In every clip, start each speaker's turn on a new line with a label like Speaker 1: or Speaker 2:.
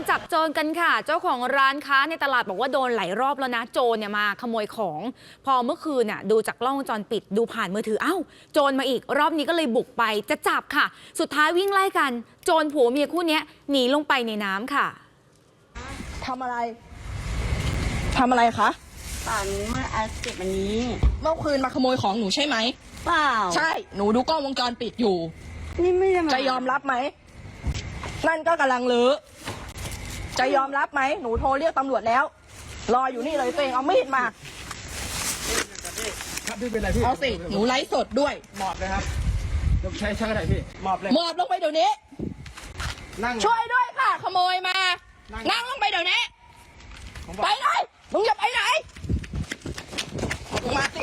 Speaker 1: จับโจรกันค่ะเจ้าของร้านค้าในตลาดบอกว่าโดนหลายรอบแล้วนะโจรเนี่ยมาขโมยของพอเมื่อคืนน่ะดูจากกล้องวงจรปิดดูผ่านมือถือโจรมาอีกรอบนี้ก็เลยบุกไปจะจับค่ะสุดท้ายวิ่งไล่กันโจรผัวเมียคู่นี้หนีลงไปในน้ำค่ะ
Speaker 2: ทำอะไรคะ
Speaker 3: ป่าหนูมาเก็บอันนี้
Speaker 2: เมื่อคืนมาขโมยของหนูใช่ไหม
Speaker 3: เปล่า
Speaker 2: ใช่หนูดูกล้องวงจรปิดอยู่
Speaker 3: นี่ไม่ได้
Speaker 2: จะยอมรับไหมนั่นก็กำลังลือจะยอมรับไหมหนูโทรเรียกตำรวจแล้วรออยู่นี่เลยตัวเองเอามีดมา
Speaker 4: ครับพี่เป็นไรพี่
Speaker 2: เอาสิหนูไลฟ์สดด้วย
Speaker 4: หมอบเลยครับยกใช้ช่างอะไรพี่หมอบเลย
Speaker 2: หมอบลงไปเดี๋ยวนี้
Speaker 4: นั่ง
Speaker 2: ช่วยด้วยค่ะขโมยมานั่งลงไปเดี๋ยวนี้ไปเลยมึงจะไปไหนมึงมาสิ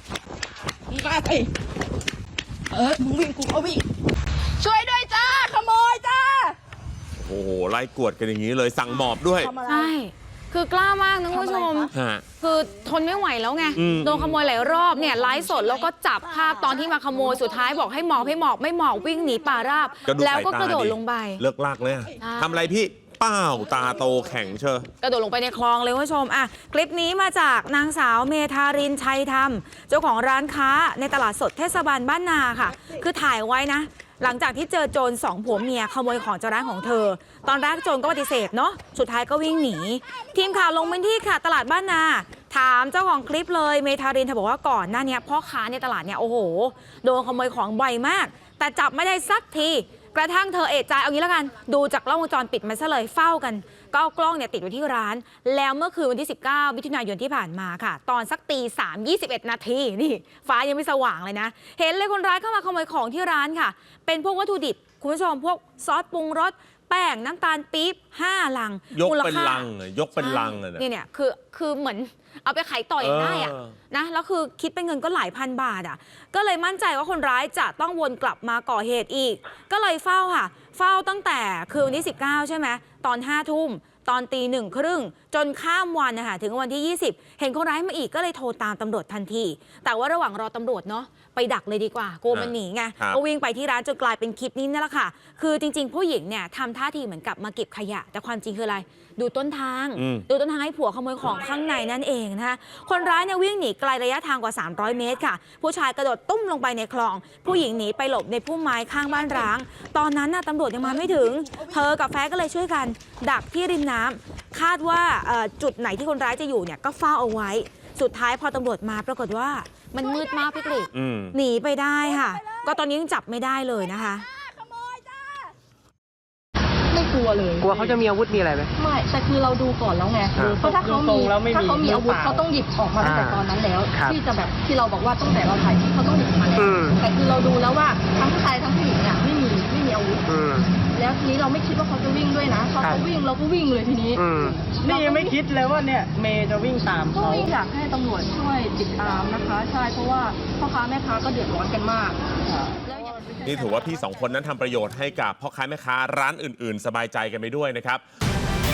Speaker 2: มึงวิ่งกูก็วิ่งช่วยด้วยจ้าขโมยจ้า
Speaker 5: โอ้โหไล่กวดกันอย่างนี้เลยสั่งหมอบด้วย
Speaker 1: ใช่คือกล้ามากนะคุณผู้ชมคือทนไม่ไหวแล้วไงโดนขโมยหลายรอบเนี่ยไลฟ์สดแล้วก็จับภาพตอนที่มาขโมยสุดท้ายบอกให้หมอบไม่หมอบวิ่งหนีป่าราบแล้วก็กระโดดลงไป
Speaker 5: เลิกลากเลยทำอะไรพี่เป้าตาโตแข็งเชอก
Speaker 1: ระโดดลงไปในคลองเลยคุณผู้ชมคลิปนี้มาจากนางสาวเมธารินชัยธรรมเจ้าของร้านค้าในตลาดสดเทศบาลบ้านนาค่ะคือถ่ายไว้นะหลังจากที่เจอโจร2ผัวเมียขโมยของจากร้านของเธอตอนแรกโจรก็ปฏิเสธเนาะสุดท้ายก็วิ่งหนีทีมข่าวลงพื้นที่ค่ะตลาดบ้านนาถามเจ้าของคลิปเลยเมธารินเธอบอกว่าก่อนหน้านี้พ่อค้าในตลาดเนี่ยโอ้โหโดนขโมยของบ่อยมากแต่จับไม่ได้สักทีกระทั่งเธอเอะใจเอางี้แล้วกันดูจากกล้องวงจรปิดมันซะเลยเฝ้ากันก็เอากล้องเนี่ยติดไว้ที่ร้านแล้วเมื่อคืนวันที่19มิถุนายนที่ผ่านมาค่ะตอนสักตี 3:21 นาทีนี่ฟ้ายังไม่สว่างเลยนะเห็นเลยคนร้ายเข้ามาขโมยของที่ร้านค่ะเป็นพวกวัตถุดิบคุณผู้ชมพวกซอสปรุงรสแป้งน้ำตาลปี๊บ5 ลัง
Speaker 5: ยกเป็นลังเลยยกเป็นลังเลย
Speaker 1: เนี่ยคือเหมือนเอาไปขายต่ออย่างได้นะแล้วคือคิดเป็นเงินก็หลายพันบาทก็เลยมั่นใจว่าคนร้ายจะต้องวนกลับมาก่อเหตุอีกก็เลยเฝ้าค่ะเฝ้าตั้งแต่คืนวันที่19ใช่ไหมตอน5 ทุ่มตอนตี 1:30จนข้ามวันนะคะถึงวันที่20เห็นคนร้ายมาอีกก็เลยโทรตามตำรวจทันทีแต่ว่าระหว่างรอตำรวจเนาะไปดักเลยดีกว่ากลัวมันหนีไงก็วิ่งไปที่ร้านจนกลายเป็นคลิปนี้นั่นแหละค่ะคือจริงๆผู้หญิงเนี่ยทำท่าทีเหมือนกับมาเก็บขยะแต่ความจริงคืออะไรดูต้นทางให้ผัวขโมยของข้างในนั่นเองนะคะคนร้ายเนี่ยวิ่งหนีไกลระยะทางกว่า300 เมตรค่ะผู้ชายกระโดดตุ้มลงไปในคลองผู้หญิงหนีไปหลบในพุ่มไม้ข้างบ้านร้างตอนนั้นตำรวจยังมาไม่ถึงเธอกับแฟนก็เลยช่วยกันดักที่ริมน้ำคาดว่าจุดไหนที่คนร้ายจะอยู่เนี่ยก็เฝ้าเอาไว้สุดท้ายพอตำรวจมาปรากฏว่ามันมืดมากพี่กฤษหนีไปได้ค่ะก็ตอนนี้ยังจับไม่ได้เลยนะคะ
Speaker 2: ไม่กลัวเลย
Speaker 4: กลัวเขาจะมีอาวุธมีอะไรไหม
Speaker 2: ไม่แต่คือเราดูก่อนแล้วไงเพราะถ้าเขามีอาวุธเขาต้องหยิบออกมาตั้งแต่ตอนนั้นแล้วที่จะแบบที่เราบอกว่าตั้งแต่เราถ่ายเขาต้องหยิบมาแล้วแต่คือเราดูแล้วว่าทั้งผู้ชายทั้งผู้หญิงเนี่ยไม่มีอาวุธแล้วทีนี้เราไม่คิดว่าเขาจะวิ่งด้วยนะเขาวิ่งเราก็วิ่งเลยทีนี้
Speaker 4: นี่ยังไม่คิดเลยว่าเนี่ยเมย์จะวิ่งตามเขา
Speaker 2: อยากให้ตำรวจช่วยติดตามนะคะใช่เพราะว่าพ่อค้าแม่ค้าก็เดือดร้อนกันมาก
Speaker 5: นี่ถือว่าพี่2 คนนั้นทำประโยชน์ให้กับพ่อค้าแม่ค้าร้านอื่นๆสบายใจกันไปด้วยนะครับ